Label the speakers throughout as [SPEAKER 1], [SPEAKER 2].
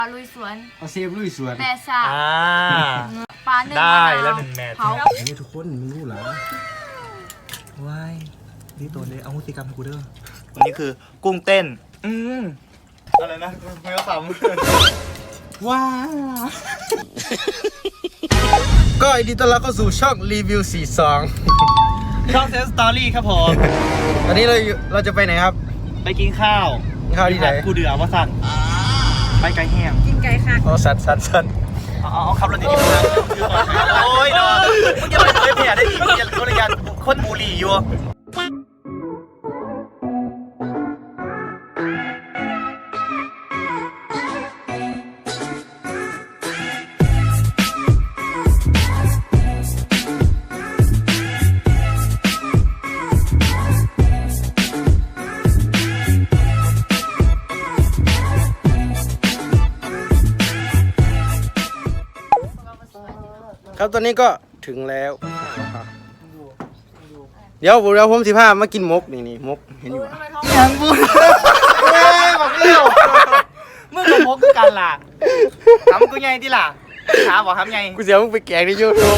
[SPEAKER 1] ปลาลุยสวน
[SPEAKER 2] เอาเซฟลุยสวน
[SPEAKER 1] แม่ซ่าปลาหนึ่ง
[SPEAKER 3] ได้แล้ว1 แมตช์
[SPEAKER 2] นี่ทุกคนมึงรู้เหรอ
[SPEAKER 3] ว้ายนี่ตัวเลยเอาพฤติกรรมให้กูเด้อวันนี้คือกุ้งเต้นอะไรนะไม่ก็ขำ
[SPEAKER 2] ว้าก็ยินดีต้อนรับเข้าสู่ช่องรีวิว42
[SPEAKER 3] ช่องเซนสตอรี่ครับผม
[SPEAKER 2] วันนี้เราจะไปไหนครับ
[SPEAKER 3] ไปกินข้าว
[SPEAKER 2] ที่ไหน
[SPEAKER 3] กูเดือว่าสั่งไปไก่แห้ง
[SPEAKER 1] กินไก่ค่ะ
[SPEAKER 2] เอาสัตว์
[SPEAKER 3] เอาขับรถดีๆนะโอ้ยนอนมึงจะไปแผลได้ดีมึงจะโดนยันคนบุหรี่อยู่
[SPEAKER 2] ครับตอนนี้ก็ถึงแล้วเดี๋ยวผม15มากินมกนี่มกเห็นอยู่
[SPEAKER 3] ยังบุญบอกเลี้ยวมึงกับมกกันล่ะทำกูไงที่ล่ะถามบอกทำไง
[SPEAKER 2] กูเสียมึงไปแกงในยูทูบ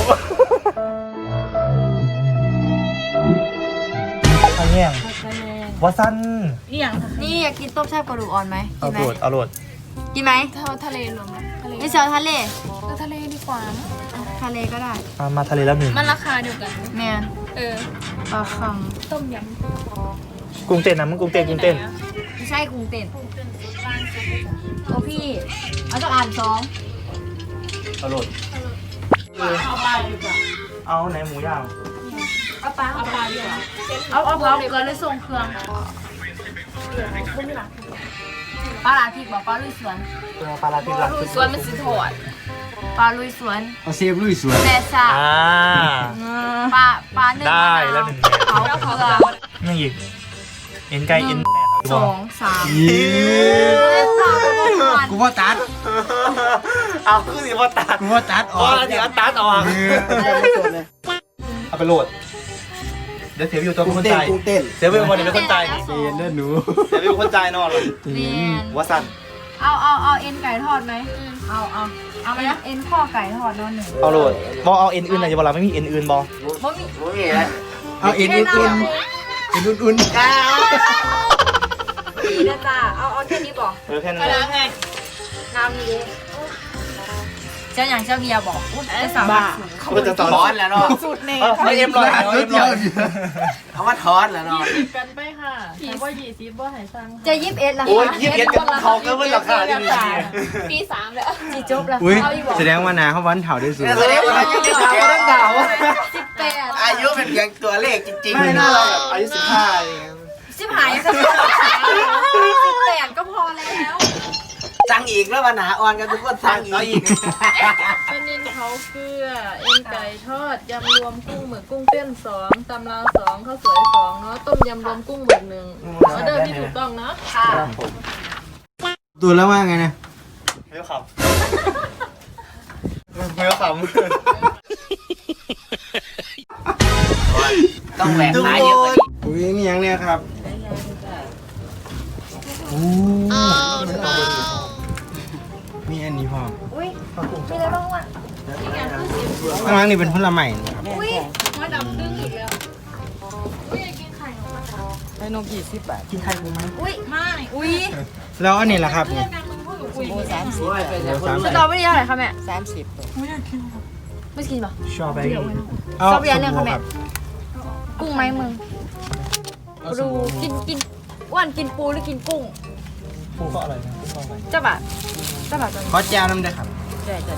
[SPEAKER 3] ข้าวแห้งวาซัน
[SPEAKER 1] นี่อยากกินต้มแซ่บกระดูกอ่อนไหม
[SPEAKER 3] เอาโหลด
[SPEAKER 1] กินไหม
[SPEAKER 4] ทะเลรวมไหมทะเล
[SPEAKER 1] ไม่เชียวทะเล
[SPEAKER 4] ทะเลดีกว่า
[SPEAKER 1] ทะเลก็ได้
[SPEAKER 3] มาทะเลแล้ว1
[SPEAKER 4] มันราคาเดียวกัน
[SPEAKER 1] แมนปลาคัง
[SPEAKER 4] ต้มย
[SPEAKER 3] ำกุ้งเต้นนะมึงกุ้งเต้น
[SPEAKER 1] ไม่ใช่กุ้งเต้นโอ้พี่เอาสัก2
[SPEAKER 3] เอาโหลดเอาไหนหมูย่าง
[SPEAKER 1] เอาปลาดีกว่าเอาเผาเกลือเลยส่งเครื่องปลาลาพริกบอกปลาลุยสวน
[SPEAKER 3] ปลาลาพริกหลัก
[SPEAKER 4] สวนมันสิถอด
[SPEAKER 1] ปลาลุยสวน
[SPEAKER 2] เอาเซฟลุยสวน
[SPEAKER 1] แม่ซ่าปลาหนึ่ง
[SPEAKER 3] ได้แล้ว1 แมตช์
[SPEAKER 1] เผาเกลือ
[SPEAKER 3] นี่อีกเอ็นไก่เอ็น
[SPEAKER 1] 2 3
[SPEAKER 2] กูว่าตัด
[SPEAKER 3] เอาคือสิว่าตัด
[SPEAKER 2] กูว่าตัดออก
[SPEAKER 3] เดี๋ยวตัดออกเอาไปโหลดเดี๋ยวเสียวิวตัวคนใจเสียวิวคนนี้เป็นคนใจ
[SPEAKER 2] เสียเล่นหนู
[SPEAKER 3] เสียวิวคนใจนอนเลยว่าสั่น
[SPEAKER 1] เอาเอ็นไก่ทอดไหมเอาไหมเอ็นข้อไก่ทอดนอน1
[SPEAKER 3] เอาโหลดบอเอาเอ็นอื่นอะไรจะบอกเราไม่มีเอ็นอื่นบอ
[SPEAKER 2] เอาเอ็นอุ่น
[SPEAKER 1] ดีนะจ๊ะเอาแค่นี้บอก
[SPEAKER 3] แค่นั้น
[SPEAKER 4] ไง
[SPEAKER 1] น้ำนี้เจ้าอย่างเจ้าเบียบอกจะสามารถ
[SPEAKER 3] ก็จะถอนแล้วเนาะ
[SPEAKER 4] สูตรเนย
[SPEAKER 3] ไม่เอ็มร้อย
[SPEAKER 2] เอาว่าถอนแล้วเนาะ
[SPEAKER 4] กันไปค่ะแต่ว่า20บ่หายซัง
[SPEAKER 1] จะ21ละ
[SPEAKER 3] โอ้ย21กันเขาก็เป็นราคาที่ดี
[SPEAKER 4] ปี3แล้ว
[SPEAKER 1] จีจบแล้ว
[SPEAKER 2] แสดงว่านาเขาวันเถาได้สูง
[SPEAKER 3] แสดงว่าอายุต้องเดา
[SPEAKER 1] 18
[SPEAKER 2] อายุเป็นเพียงตัวเลขจริงๆ
[SPEAKER 3] ไม่น่าเราแบบอายุ15อะไรเงี้ย
[SPEAKER 1] 18ก็พอแล้ว
[SPEAKER 2] สั่งอีกแล้ววันหนาอ่อนกันทุกคนสั่งอีก
[SPEAKER 4] เป็นนินเขาเกลือเอ็นไก่ทอดยำรวมกุ้งหมึกกุ้งเต้น2ตำลาว2ข้าวสวย2เนาะต้มยำรวมกุ้งหมึก1ออเดอร์ที่ถูกต้องเนาะ
[SPEAKER 2] ตัวแล้วว่าไงนะ
[SPEAKER 3] ไม่ขำ
[SPEAKER 2] ต้องแหวกหลายเยอะกว่านี้อุ้ยนี่ยังเนี่ยครับมีอันนี้พอ
[SPEAKER 1] อุ้ยมีอะไรบ้างวะ
[SPEAKER 2] ข้างล่างนี่เป็นผลไม้ครับ
[SPEAKER 4] อุ้ยมาดับดึงอีกแล้วอุ้ยกินไข่ของมัน
[SPEAKER 2] ไอ้นก20 บาทกินไข่กูไหม
[SPEAKER 4] อุ้ยไม่อุ้ย
[SPEAKER 2] แล้วอันนี้ล่ะครับเนี่ย
[SPEAKER 1] 30สตรอเบอรี่เท่าไหร่คะแม่
[SPEAKER 4] 30ไม่กินป่ะ
[SPEAKER 3] ชอบไป
[SPEAKER 1] ชอบอย่างนึงค่ะแม่กุ้งไหมมึงปูกินอ้วนกินปูหรือกินกุ้ง
[SPEAKER 3] ปูก็อร่อยนะ
[SPEAKER 1] เจ้าบาท
[SPEAKER 2] ขอแจวน้ำได้ครับ
[SPEAKER 1] ได้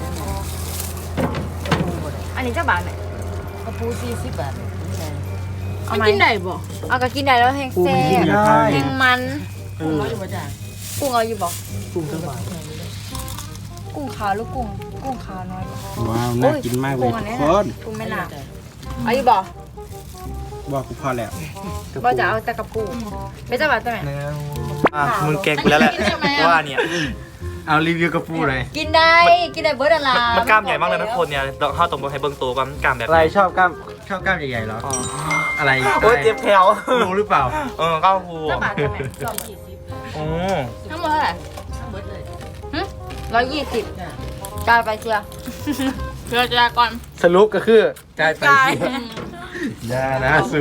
[SPEAKER 1] อันนี้เจ้าบาทไหม
[SPEAKER 4] กระปู40 บาท
[SPEAKER 1] เอาไหมกินได้บ่เอาก็กินได้แล้วแห้งแซ่แห้งมัน
[SPEAKER 4] กุ้งเอาอยู่บ่จ้ะ
[SPEAKER 1] กุ้งเอาอยู่บ่
[SPEAKER 3] กุ้งเท่าไหร่
[SPEAKER 1] กุ้งขาวหรือกุ้งขาวน้อย
[SPEAKER 2] ว้าวน่ากินมากเลยทุกคน
[SPEAKER 1] กุ้งแม่น้ำเอาอยู่บ่
[SPEAKER 2] บอกกูพอแล้ว
[SPEAKER 1] บ่จะเอาแต่กระปูไม่เจ้าบาทใช่ไหม
[SPEAKER 3] มึงแกงกูแล้วแหละว่าเนี่ย
[SPEAKER 2] เอารีวิวกระปูเลย
[SPEAKER 1] กินได้เบิร์ดอะไร
[SPEAKER 3] มันกล้ามใหญ่มากเลยนะคนเนี่ยเข้าตรงบนไฮเบิ้งตัวกันกล้ามแบบ
[SPEAKER 2] อะไรชอบกล้ามใหญ่ๆเหรออะไร
[SPEAKER 3] โอ้ยเจ็บแผลว
[SPEAKER 2] รู้หรือเปล่า
[SPEAKER 3] ก้าวฟู
[SPEAKER 1] เจ้าบาทใช่ไหม
[SPEAKER 3] โอ้
[SPEAKER 1] ทั้งหมดเท่าไหร่ทั้งหมดเลย 120กายไปเชียร์
[SPEAKER 4] เพื่อจะก่อน
[SPEAKER 2] สรุปก็คือกลายไปอย่านะสู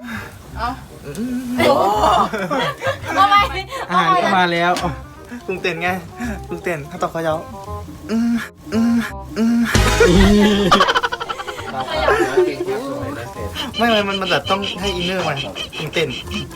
[SPEAKER 1] ทำไม
[SPEAKER 2] อาหารก็มาแล้ว
[SPEAKER 3] กุ้งเต้นไงกุ้งเต้นถ้าต่อเขาเยาไม่มันแบบต้องให้อินเนอร์มันกุ้งเต้น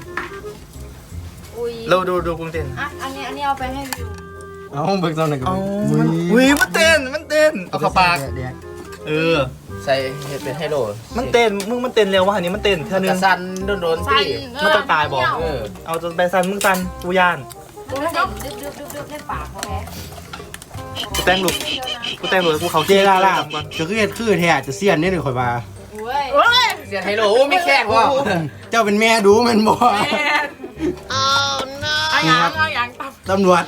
[SPEAKER 1] อุ้ย
[SPEAKER 3] เราดูกุ้งเต้น
[SPEAKER 1] อ่ะอันนี้เอาไปให้วิว
[SPEAKER 2] เอาเบิกตอนไหนกัน
[SPEAKER 3] มันเต้นเอาเข้าปากเออ
[SPEAKER 5] ใส่เห็ดเป็นไฮโล
[SPEAKER 3] มันเต้นมันเต้นเร็วว่ะอันนี้มันเต้นเท่านึ
[SPEAKER 5] กระ
[SPEAKER 3] ง
[SPEAKER 5] สันโดนๆ
[SPEAKER 4] สั่น
[SPEAKER 5] ที่
[SPEAKER 3] มันจะตายบอก
[SPEAKER 5] เออ
[SPEAKER 3] เอาจนไปซันมึงซันกูย่าน
[SPEAKER 1] ดูเด็กดึบในปากเขาแพ้
[SPEAKER 3] กูแต่งลูกกูเขา
[SPEAKER 2] เจล่าล่าจะคือแท้จะเสียนนี่เลยข่อยมา
[SPEAKER 1] เว้ย
[SPEAKER 5] เสียไฮโลโอ้ไม่แข้งว่ะ
[SPEAKER 2] เจ้าเป็นแม่ดูมันบ่
[SPEAKER 4] เอาอย่างตับ
[SPEAKER 2] ตำรวจ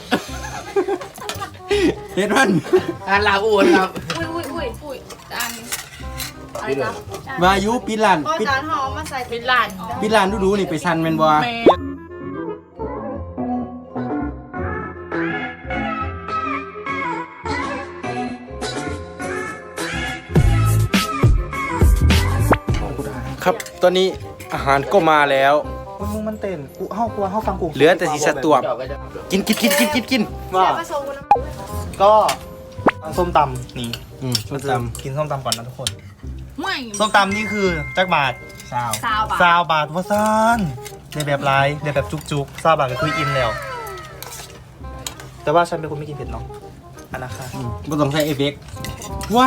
[SPEAKER 2] เฮ็ดมัน
[SPEAKER 5] อันลาอูนครับ
[SPEAKER 1] อุ้ยจานอะไรนะ
[SPEAKER 2] วายุปิดร้าน
[SPEAKER 1] ก็จานห่อมาใส่
[SPEAKER 4] เป็นหลาน
[SPEAKER 2] ปิดร้านดูๆนี่ไปซันแม่นบ่
[SPEAKER 4] แม่
[SPEAKER 2] ครับตอนนี้อาหารก็มาแล้ว
[SPEAKER 3] มึงมันเต้นกูเฮาฟังกู
[SPEAKER 2] เหลือแต่สีสตวบกิน
[SPEAKER 3] ว่า
[SPEAKER 1] ผสมกัน
[SPEAKER 3] ก็ส้มตำนี่
[SPEAKER 2] ส้มตำ
[SPEAKER 3] กินส้มตำก่อนนะทุกคน
[SPEAKER 4] ไม่
[SPEAKER 3] ส้มตำนี่คือจักบาท
[SPEAKER 2] ซาว
[SPEAKER 1] ซาวบะ
[SPEAKER 3] ซาวบาทว่าซ่านในแบบไรในแบบจุกๆซาวบาทก็คืออิ่มแล้ว แต่ว่าฉันเป็นคนไม่กินเผ็ดเนาะอันนะคะ
[SPEAKER 2] บ่ต้องใช้เอฟเฟกต์ว้า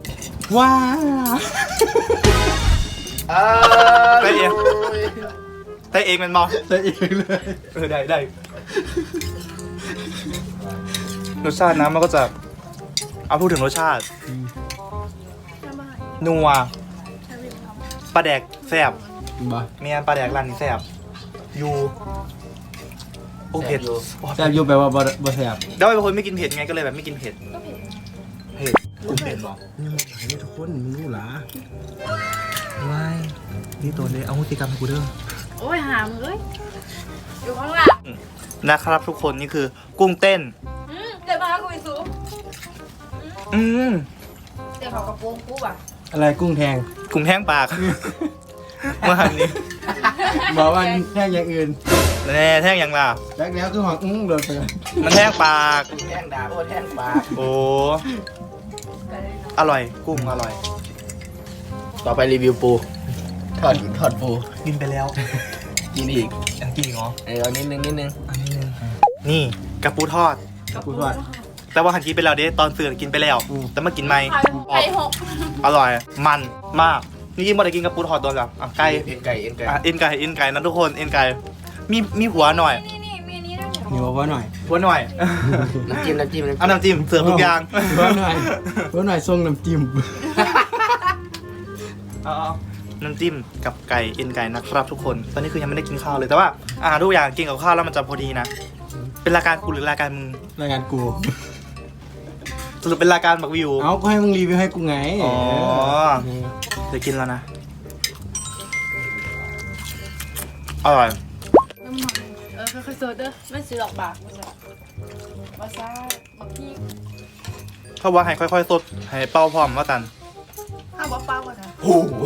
[SPEAKER 3] ได้เองมันมอง
[SPEAKER 2] ใส่เองเลย
[SPEAKER 3] ได้รสชาตินะมันก็จะเอาพูดถึงรสชาตินัวปลาแดกแซ่บ
[SPEAKER 2] บ่
[SPEAKER 3] เมียนปลาแดกร้านนี้แซ่บยูโอ้เผ็ด
[SPEAKER 2] แซ่บอยู่แปลว่าบ่แซ่บ
[SPEAKER 3] แล้วเป็นคนไม่กินเผ็ดไงก็เลยแบบไม่กินเผ็ดเผ็ดกุ้งเผ็ดหรอ
[SPEAKER 2] นี่ทุกคนมึงรู้หรอ
[SPEAKER 3] ไม่นี่ตัวเลยเอาพฤติกรรมให้กูเด้อ
[SPEAKER 1] โอ้ยหามเอ้ยอยู่ข้างหลัง
[SPEAKER 3] นะครับทุกคนนี่คือกุ้งเต้น
[SPEAKER 1] เดี๋ยวมาคุยสูง
[SPEAKER 3] อืม
[SPEAKER 1] เดี๋ยวเขากระโปรงกูอ่ะ
[SPEAKER 2] อะไรกุ้งแทง
[SPEAKER 3] กุ้งแห้งปาก เมื่อหันนี้
[SPEAKER 2] บอกว่าแทงอย่างอื่น
[SPEAKER 3] แน่แท่งยังล่ะ
[SPEAKER 2] แล้วคือหอกโดนไป
[SPEAKER 3] มันแห้งปาก
[SPEAKER 5] แท่งดาบโอ้แท่งปลา
[SPEAKER 3] โอ้อร่อยกุ้งอร่อย
[SPEAKER 5] ต่อไปรีวิวปูทอดปู
[SPEAKER 3] กินไปแล้ว
[SPEAKER 5] กินอีก
[SPEAKER 3] ยังกินอีกเหรอ
[SPEAKER 5] เอานิดนึง
[SPEAKER 3] อันนี้นึงนี่กระปูทอด
[SPEAKER 2] กูว่า
[SPEAKER 3] แต่ว่าหันกินไปแล้วเด้ตอนสื่อกินไปแล้ว แต่มากินไหม
[SPEAKER 4] ไก่หก
[SPEAKER 3] อร่อย มันมากนี่ยิ่งบ่ได้กินกระปูทอดตัวแล้วอ่ะไก่
[SPEAKER 5] เอ็นไก่
[SPEAKER 3] เอ็นไก่นะทุกคนเอ็นไก่มีหัวหน่อย
[SPEAKER 1] นี่มีนี้ด้วย
[SPEAKER 2] เหนียวว่าหน่อย
[SPEAKER 3] หัวหน่อย
[SPEAKER 5] น้ำจิ้ม
[SPEAKER 3] เอาน้ำจิ้มเสิร์ฟทุกอย่าง
[SPEAKER 2] ว่าหน่อยทรงน้ำจิ้ม
[SPEAKER 3] เอาน้ำจิ้มกับไก่เอ็นไก่นะครับทุกคนตอนนี้คือยังไม่ได้กินข้าวเลยแต่ว่าอาหารทุกอย่างกินกับข้าวแล้วมันจะพอดีนะเป็นรายการกูหรือรายการมึง
[SPEAKER 2] รายการกู
[SPEAKER 3] สรุปเป็นรายการบักวิว
[SPEAKER 2] เอาก็ให้มึงรีวิวให้กูไง
[SPEAKER 3] อ๋อเดี๋ยวกินแล้วนะอร่อย
[SPEAKER 1] ค่อยๆโซดเด้อไม่ซื้อหรอกบาทมาซ่าบักพี่
[SPEAKER 3] เขาว่าให้ค่อยๆสดให้เป้าพร้อมว่ากัน
[SPEAKER 1] ข้าวเปล่าๆก่อนนะ
[SPEAKER 3] โอ้โห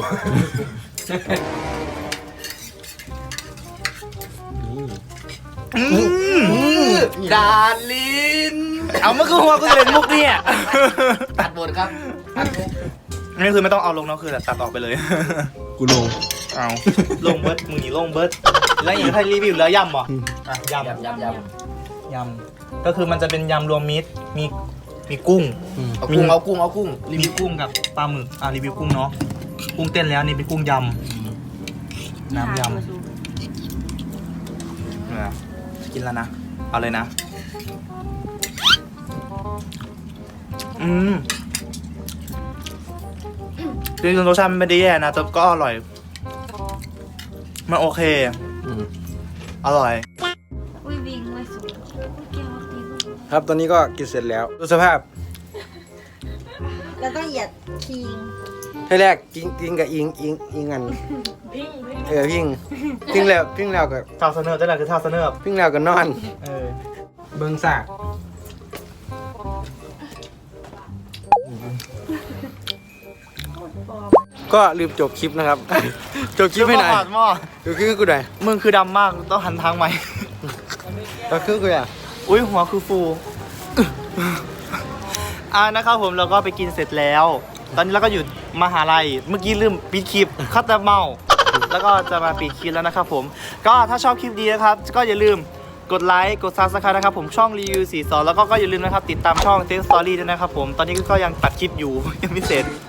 [SPEAKER 5] ดาลิน
[SPEAKER 3] เอาเมื่อคือหัวกูจะเล่นมุกเนี่ย
[SPEAKER 5] ตัดบทครับตัดบท
[SPEAKER 3] นี่คือไม่ต้องเอาลงเนาะคือตัดออกไปเลย
[SPEAKER 2] กูลง
[SPEAKER 3] เอาลงเบิร์ดมึงหนีลงเบิร์ดแล้วอย่างถ้ารีวิวแล้วยำบ่อ่ะยำ
[SPEAKER 5] ยำ
[SPEAKER 3] ยำก็คือมันจะเป็นยำรวมมิตรมีกุ้ง
[SPEAKER 5] เอากุ้ง
[SPEAKER 3] รีวิวกุ้งกับปลาหมึกรีวิวกุ้งเนาะกุ้งเต้นแล้วนี่เป็นกุ้งยำน้ำยำเนี่ยจะกินแล้วนะเอาเลยนะจริงๆรสชาติมันไม่ได้แย่นะแต่ก็อร่อยมันโอเคอร่อย
[SPEAKER 1] อุ้ยวิ่งไว้สูงเกี่ยวกับตีน
[SPEAKER 2] ครับตอนนี้ก็กินเสร็จแล้วดูสภาพ
[SPEAKER 1] แล้วต้องเหยียดคิง
[SPEAKER 2] ให้แรกกินกับอิงอันพิงแล้วก็
[SPEAKER 3] ท่าเสนอได้แหละคือท่าเสนอ
[SPEAKER 2] พิงแล้วก็นอน
[SPEAKER 3] เออ
[SPEAKER 2] เบิ่งสากก็ลืมจบคลิปนะครับ จบคลิปให้หน่อย
[SPEAKER 3] ปาดหม้อ
[SPEAKER 2] จบคลิปให้กูหน่อย
[SPEAKER 3] มึงคือดำมากต้องหันทางใหม่
[SPEAKER 2] จบคลิปกูอ่ะ
[SPEAKER 3] อุ้ยหัวคือฟูนะครับผมเราก็ไปกินเสร็จแล้ว ตอนนี้เราก็อยู่มหาลัยเมื่อกี้ลืมปิดคลิปคัตเตอร์เมาแล้วก็จะมาปิดคลิปแล้วนะครับผมก็ถ้าชอบคลิปดีนะครับก็อย่าลืมกดไลค์กดซับสไครต์นะครับผมช่องรีวิว42แล้วก็อย่าลืมนะครับติดตามช่องเซ็กสตอรี่ด้วยนะครับผมตอนนี้ก็ยังตัดคลิปอยู่ ยังไม่เสร็จ